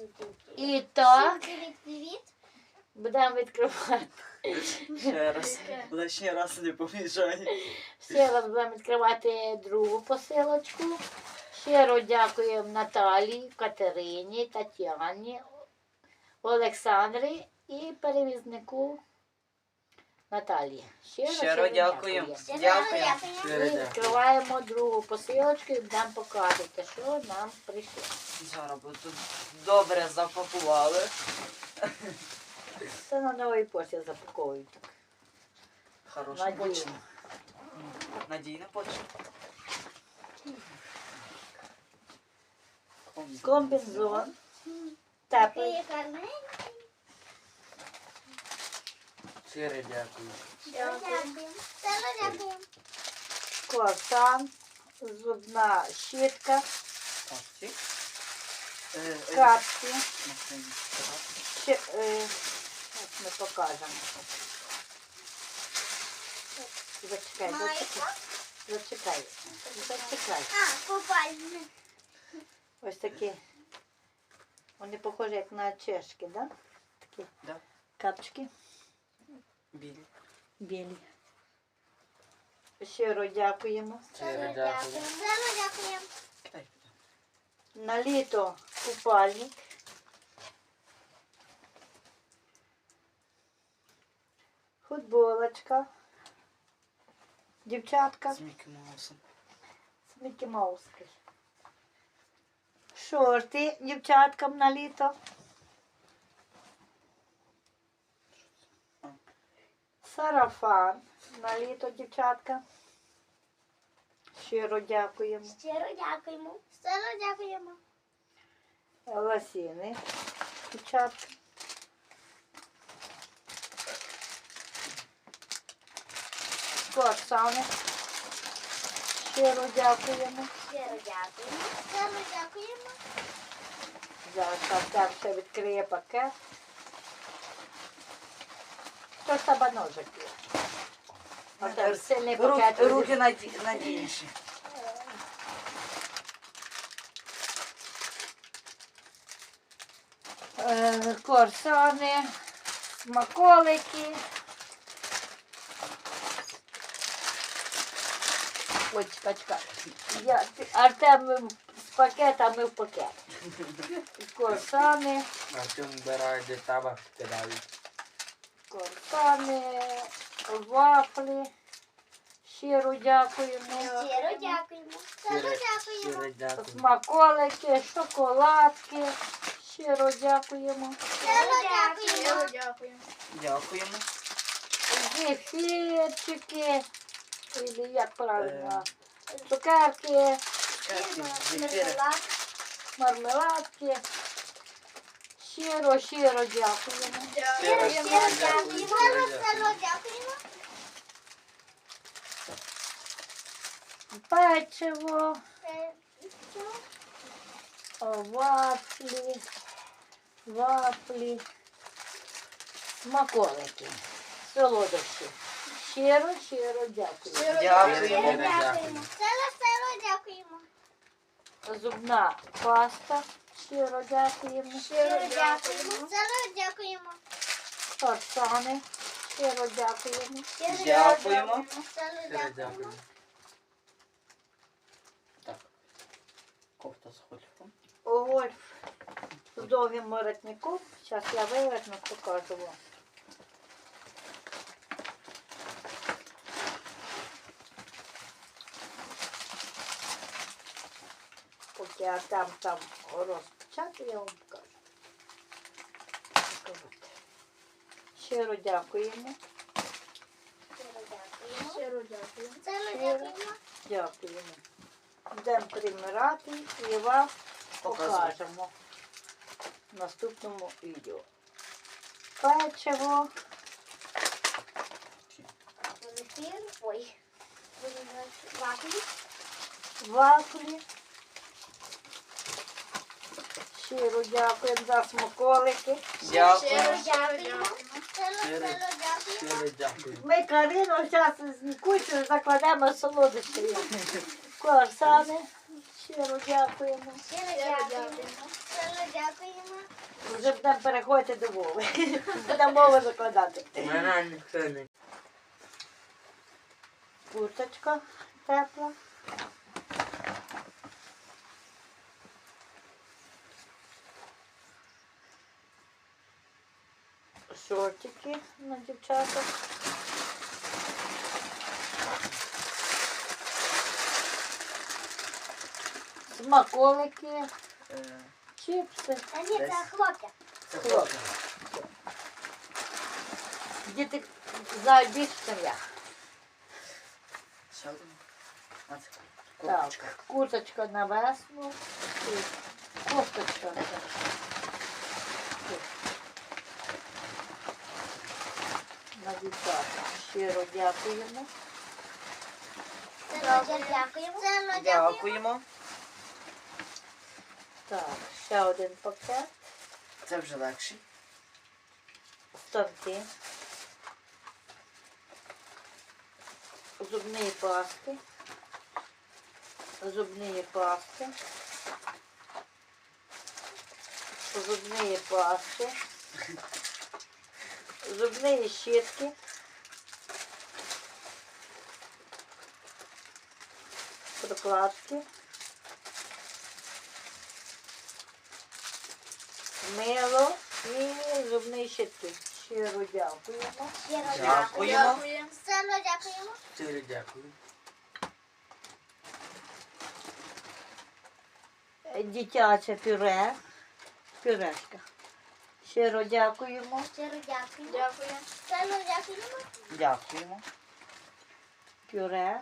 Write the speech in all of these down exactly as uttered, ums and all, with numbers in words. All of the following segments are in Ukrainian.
І так, Привіт. будемо відкривати. Ще раз. Лише раз не помішай. Ще раз будемо відкривати другу посилочку. Щиро дякуємо Наталії, Катерині, Тетяні, Олександрі і перевізнику Наталії. Щиро, Щиро дякуємо. Щиро Дякуємо. дякуємо. Щиро Ми дякуємо. відкриваємо другу посилочку і будемо показувати, що нам прийшло. Зараз бо тут добре запакували. Це на новій пошті запаковують. так. Хороша Надійно. почта. Надійна почта. Комбінзон. Теплий. Ти гарненький. Щиро дякую. Щиро дякуємо. Щиро дякуємо. Круасан, зубна щітка, Ось ці. Е, е, капці. машині. Ще, е, от ми покажемо. Зачекай, зачекай. Зачекай. Зачекай. А, купальник. Ось такі. Вони похожі як на чешки, да? Такі Да. капчики Білі. білі. Щиро дякуємо. Щиро Щиро дякую. дякуємо. Щиро дякуємо. Дай. На літо купальник. Футболочка. Дівчатка. З Мікі Маусом. З Мікі Мауски. Шорти дівчаткам на літо. Сарафан на літо, дівчатка. Щиро дякуємо. Щиро дякуємо. Щиро дякуємо. Лосіни, дівчатка. Круасани. Щиро дякуємо. Щиро дякуємо. Щиро дякуємо. Зараз там ще відкриє пакет. Хто ж тебе ножик є? Оце сильний пакет. Руки, руки наді- надійніші. Е, Корсани, смаколики. Ой, чекай, чекай. Я, ти- Артем з пакетами в пакет. Корсани, Артем вбирає, де табак кидають. корсани, вафлі. Щиро дякуємо. Щиро дякуємо. Щиро дякуємо. Щиро дякую. Смаколики, шоколадки. Щиро дякуємо. Щиро дякуємо. Дякуємо. Дякуємо. Зефірчики. Или як правильно? Цукерки, Зефіри. мармеладки. Щиро, щиро дякуємо. Щиро, щиро дякуємо. Дякую. Щиро дякуємо. Печиво, Е, що? вафлі, вафлі, смаколики, солодощі. Щиро, щиро дякую. Щиро Дякуємо. дякуємо. Щиро, щиро дякуємо. Зубна паста. Щиро дякуємо. Щиро дякуємо. Щиро дякуємо. Фарсани. Щиро дякуємо. Щиро Дякуємо. Щиро Щиро дякуємо. дякую. Так. Кофта з гольфом. Гольф з довгим воротником. Зараз я виверну, покажу вам. Поки я там там розпечатаю, я вам покажу. Так от. Щиро дякуємо. Щиро дякуємо. Щиро дякуємо. Щиро дякуємо. Дякуємо. Будемо примирати і вам Показуй. покажемо в наступному відео. Печиво, Зефір. Ой. Вафлі. вафлі. Щиро дякуємо за смаколики. Щиро Дякую. дякуємо. Щиро, Щиро. щиро дякуємо. Щиро дякую. Ми Карину зараз з Нікусею закладемо солодощі. Корсани. Щиро дякуємо. Щиро дякуємо. Щиро дякуємо. вже будемо переходити до мови. Будемо мову закладати. Мене ніхто не. Курточка тепла. Шортики на дівчаток. Смаколики, Е, чіпси. Та ні, це Десь. хлопця. Це Хлопці. хлопці. Діти знають більше, ніж я. Ще один. А це Так, курточка. курточка на весну і кофточка. На дівчата. Щиро дякуємо. Це Надя, дякуємо. Це Надя, дякуємо. Дякуємо. Так, ще один пакет. Це вже легший. Станки. Зубні пасти. Зубні пасти. Зубні пасти. Зубні щітки. Прокладки. Мило і зубні щітки. Щиро дякуємо. Щиро Дякуємо. дякуємо. Сильно дякуємо. Щиро дякую. Дитяче пюре. Пюрешка. Щиро дякуємо. Щиро дякуємо. Дякуємо. Сильно дякуємо. Дякуємо. Пюре.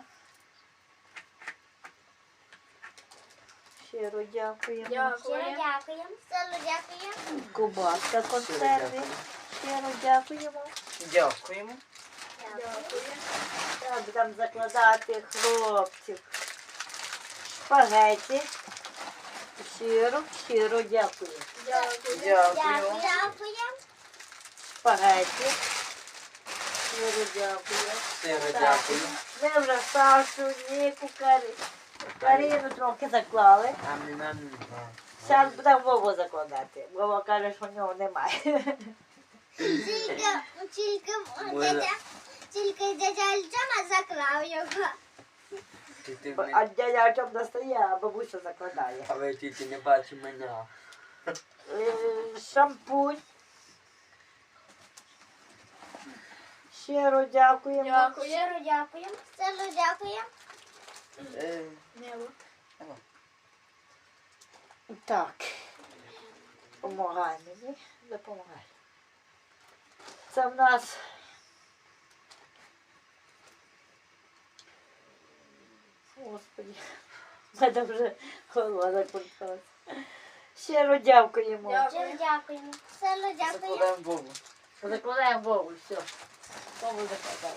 Щиро дякуємо. Щиро дякуємо. Сильно дякуємо. Кубаска консерви. Щиро дякуємо. Дякуємо. Дякуємо. Так, будемо закладати хлопців. Шпагеті. Щиро, щиро дякую. Дякую. Дякуємо. Шпагеті. Щиро дякую. Щиро Так, дякую. Ми вже Сашу, Ніку, Карі- Каріну трохи заклали. А мені нам не знаю. Зараз будемо Вову закладати. Вова каже, що в нього немає. Тільки, тільки, Може. дядя, тільки дядя Альчана заклав його. Ти, ти, А мені- дядя Артем достає, а бабуся закладає. а ви тільки не бачите мене. Е, Шампунь. Щиро дякуємо. Щиро дякуємо. Щиро дякуємо. Е, Так. Помагай мені. Допомагай. Це в нас Господи, в мене вже голова закрутилася. Щиро дякуємо. Щиро дякуємо. Щиро дякуємо. Закладаємо Богу. Закладаємо Вову, все. Вову закладаємо.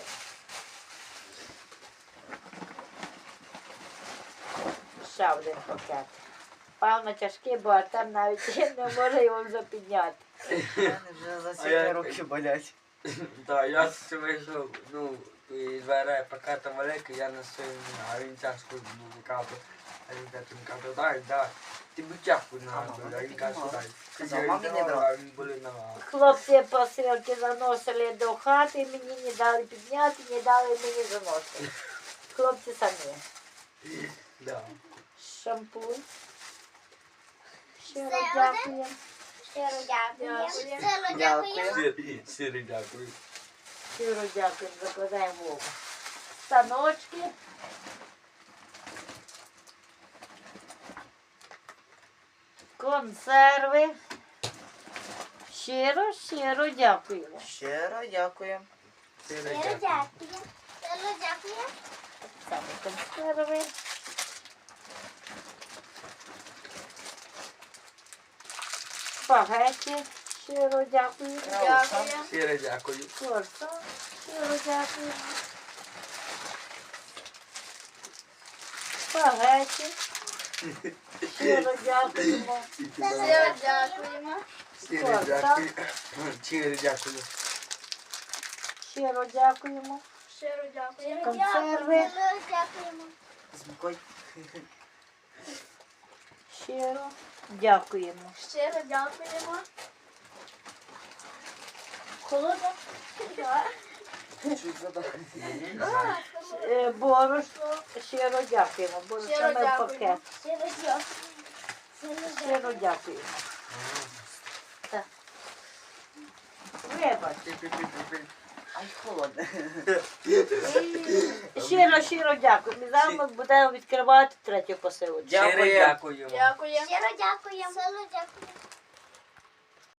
Ще один пакет. Певно тяжкий, бо Артем навіть не може його вже підняти. Мене вже за А сьогодні я- руки болять. Так, я ще вийшов, ну, і дверей пакета великий, я на своєму, а він тяжко ну, каже, а він каже, він каже, дай, дай, ти би тяжко А, на мама а він каже, піднімала. дай. Казав, Я мамі не віддавав, брав. а він були на Хлопці посилки заносили до хати, мені не дали підняти, не дали мені заносити. Хлопці самі. да. Шампунь. Щиро Це дякуємо. Щиро дякуємо. Щиро Дякую. дякуємо. Сирі, сирі, дякую. Щиро дякуємо, закладаємо Вову. Станочки. Консерви. Щиро, щиро дякуємо. Щиро дякую. Сирі, Щиро дякую. дякуємо. Щиро дякуємо. Саме консерви. Спагеті. Щиро дякуємо. Дякую. Сирі, дякую. Корса. Щиро дякуємо. Спагеті. Щиро дякуємо. Щиро дякуємо. Сирі, дякую. Сирі, дякую. Щиро дякуємо. Щиро дякуємо. Консерви. Щиро дякуємо. З мукою. Щиро дякуємо. Щиро дякуємо. Холодно? Чуть задав. Е, Борошно, щиро дякуємо. Борошно Щиро ми в дякуємо. пакет. Щиро дякую. Щиро Щиро дякуємо. Так. Вибач. Ай, холодно. Щиро, щиро дякуємо. І зараз ми будемо відкривати третю посилочку. Щиро Дякую. дякуємо. Дякую. Щиро дякуємо. Щиро дякуємо.